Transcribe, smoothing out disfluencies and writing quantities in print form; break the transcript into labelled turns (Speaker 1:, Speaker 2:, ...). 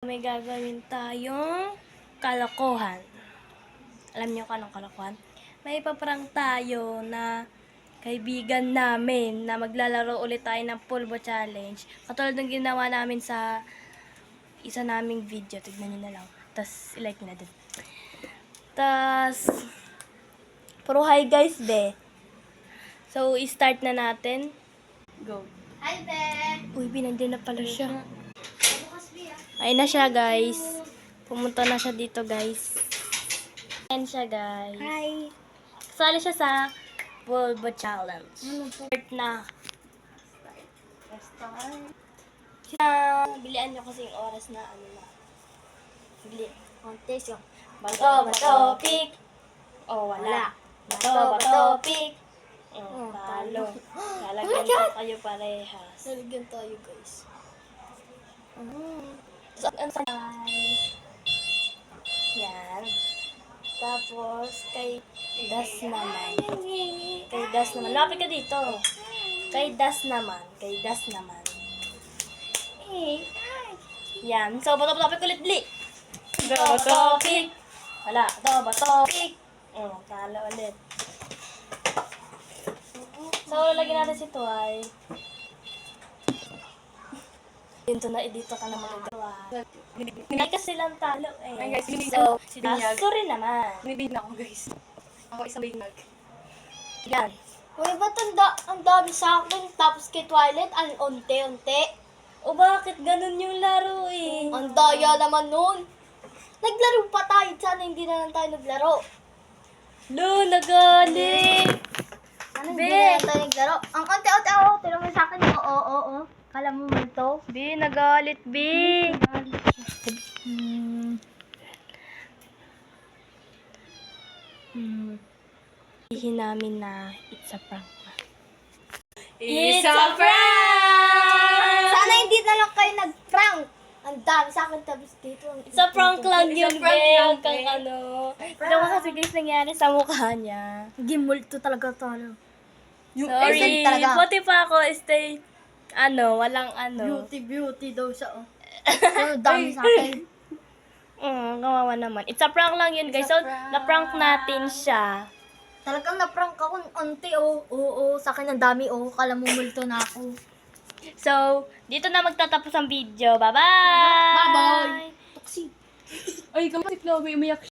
Speaker 1: May gagawin tayong kalokohan. Alam niyo kung anong kalokohan? May ipaprank tayo na kaibigan namin na maglalaro ulit tayo ng pulbo challenge. Katulad ng ginawa namin sa isa naming video. Tignan niyo na lang. Tapos, ilike niyo na din. Tapos, puro hi guys, be. So, i-start na natin. Go.
Speaker 2: Hi, Be!
Speaker 1: Uy, binandiyan na pala siya. Ayun na siya, guys. Pumunta na siya dito, guys. Ayan siya, guys.
Speaker 2: Hi!
Speaker 1: Kasali siya sa Pulbo Challenge. Start na. Bilian nyo kasi yung oras na ano na. Bili.
Speaker 2: Contest yung
Speaker 1: Bato, pick. Oh, wala. Bato, pick. Oh, talo. Lalagyan ko kayo parehas.
Speaker 2: Naligyan tayo, guys.
Speaker 1: Saan sa yan. Tapos, kay Das naman. Kay Das naman. Lapit ka dito. Kay Das naman. Kay Das naman. Yan. So, bato-bato ulit, Bli. Bato, pick. Wala. Bato, pick. Talo ulit. So, lalagyan natin si Tuay. Dito na, dito ka naman nagawa. Hindi kasi silang talo eh.
Speaker 3: Ay guys,
Speaker 1: So,
Speaker 3: si Binyag.
Speaker 1: sorry naman.
Speaker 3: Binibig na ako guys. Ako isang bignag.
Speaker 1: Yan.
Speaker 2: Uy, ba't ang dami sa akin? Tapos kay Twilight, ang unti-unti.
Speaker 1: O bakit ganun yung laro eh?
Speaker 2: Ang daya naman nun. Naglaro pa tayo. Sana hindi na lang tayo naglaro.
Speaker 1: No, nagalit.
Speaker 2: Ano,
Speaker 1: Be.
Speaker 2: hindi na lang tayo naglaro. Ang unti-unti ako. Tira mo sa akin. Oo. Kala mo man to.
Speaker 1: Bi, nagalit, Bi. Sabihin namin na it's a prank. It's a prank!
Speaker 2: Sana hindi na lang kayo nag-prank. Ang dami sa akin tapos dito.
Speaker 1: It's a prank lang yun,
Speaker 3: It's a prank
Speaker 1: Be.
Speaker 3: lang,
Speaker 1: Huwag kang
Speaker 3: Be.
Speaker 1: ano. Ito mo kasi guys nangyari sa mukha niya.
Speaker 2: Gimulto talaga to.
Speaker 1: Sorry.
Speaker 2: essence talaga.
Speaker 1: Buti pa ako stay, walang ano.
Speaker 2: Beauty daw siya. Ang dami sa akin.
Speaker 1: Kawawa naman. It's a prank lang yun, guys. So, na-prank natin siya.
Speaker 2: Talagang na-prank ako unti. Oo. Sa akin ang dami. Kala mo multo na ako.
Speaker 1: So, dito na magtatapos ang video. Bye-bye!
Speaker 2: Bye-bye. Toxic.
Speaker 3: Ay, kamutik na ako. Umiyak